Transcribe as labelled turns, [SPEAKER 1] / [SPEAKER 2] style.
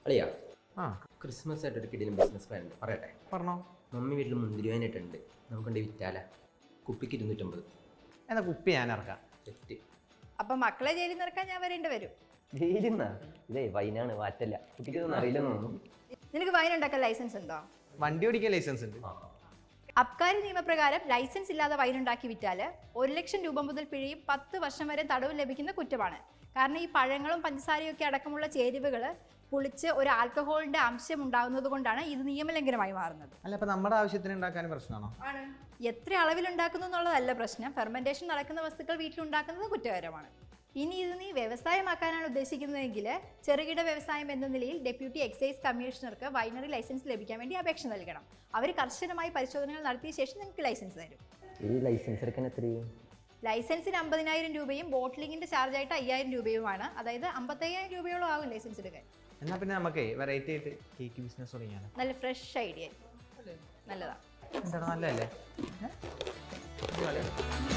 [SPEAKER 1] അളിയാ
[SPEAKER 2] ആ
[SPEAKER 1] ക്രിസ്മസ് ആയിട്ട് ഒരു കിടിലും ബിസിനസ് പ്ലാൻ ഉണ്ട് പറയട്ടെ.
[SPEAKER 2] പറഞ്ഞോ.
[SPEAKER 1] മമ്മി വീട്ടിൽ മുന്തിരി വാനായിട്ടുണ്ട്, നമുക്കുണ്ട് വിറ്റാല. കുപ്പിക്ക് 250.
[SPEAKER 2] എന്നാ കുപ്പി ഞാൻ ഇറക്കാം.
[SPEAKER 1] സെറ്റ്.
[SPEAKER 3] അപ്പൊ മക്കളെ ജയിലിൽ നിറക്കാൻ ഞാൻ വരേണ്ടി വരും.
[SPEAKER 1] ജയിലിന്നാ? ഇതേ വൈനാണ്, വാറ്റല്ല. കുട്ടിക്ക് ഇതൊന്നും അറിയില്ലെന്ന് തോന്നുന്നു.
[SPEAKER 3] നിനക്ക് വൈൻ ഉണ്ടാക്കാൻ ലൈസൻസ് ഉണ്ടോ?
[SPEAKER 2] വണ്ടി ഓടിക്കാൻ ലൈസൻസ് ഉണ്ട്.
[SPEAKER 3] അബ്കാരി നിയമപ്രകാരം ലൈസൻസ് ഇല്ലാതെ വൈൻ ഉണ്ടാക്കി വിറ്റാല് 1 ലക്ഷം രൂപ മുതൽ പിഴയും 10 വർഷം വരെ തടവും ലഭിക്കുന്ന കുറ്റമാണ്. കാരണം ഈ പഴങ്ങളും പഞ്ചസാരയും ഒക്കെ അടക്കമുള്ള ചേരുവകൾ പുളിച്ച് ഒരു ആൽക്കഹോളിന്റെ അംശം ഉണ്ടാകുന്നത് കൊണ്ടാണ് ഇത് നിയമലംഘനമായി മാറുന്നത്.
[SPEAKER 2] അല്ല, അപ്പൊ നമ്മുടെ ആവശ്യത്തിന് ഉണ്ടാക്കാൻ പ്രശ്നമാണോ?
[SPEAKER 3] എത്ര അളവിൽ ഉണ്ടാക്കുന്നു എന്നുള്ളതല്ല പ്രശ്നം, ഫെർമെന്റേഷൻ നടക്കുന്ന വസ്തുക്കൾ വീട്ടിലുണ്ടാക്കുന്നത് കുറ്റകരമാണ്. ഇനി ഇത് നീ വ്യവസായമാക്കാനാണ് ഉദ്ദേശിക്കുന്നതെങ്കിൽ ചെറുകിട വ്യവസായം എന്ന നിലയിൽ ഡെപ്യൂട്ടി എക്സൈസ് കമ്മീഷണർക്ക് വൈനറി ലൈസൻസ് ലഭിക്കാൻ വേണ്ടി അപേക്ഷ നൽകണം. അവർ കർശനമായി പരിശോധനകൾ നടത്തിയ ശേഷം നിങ്ങൾക്ക് ലൈസൻസ് തരും.
[SPEAKER 1] ഈ ലൈസൻസ് എടുക്കാൻ എത്രയും?
[SPEAKER 3] ലൈസൻസിന് 50,000 രൂപയും ബോട്ടിലിങ്ങിന്റെ ചാർജായിട്ട് 5,000 രൂപയുമാണ്. അതായത് 55,000 രൂപയോളം ആകും ലൈസൻസ് എടുക്കാൻ.
[SPEAKER 2] എന്നാ പിന്നെ നമുക്ക് വെറൈറ്റി ആയിട്ട് കേക്ക് ബിസിനസ് തുടങ്ങിയാണ്.
[SPEAKER 3] നല്ല ഫ്രഷ് ഐഡിയ, നല്ലതാ.
[SPEAKER 2] നല്ലതല്ലേ?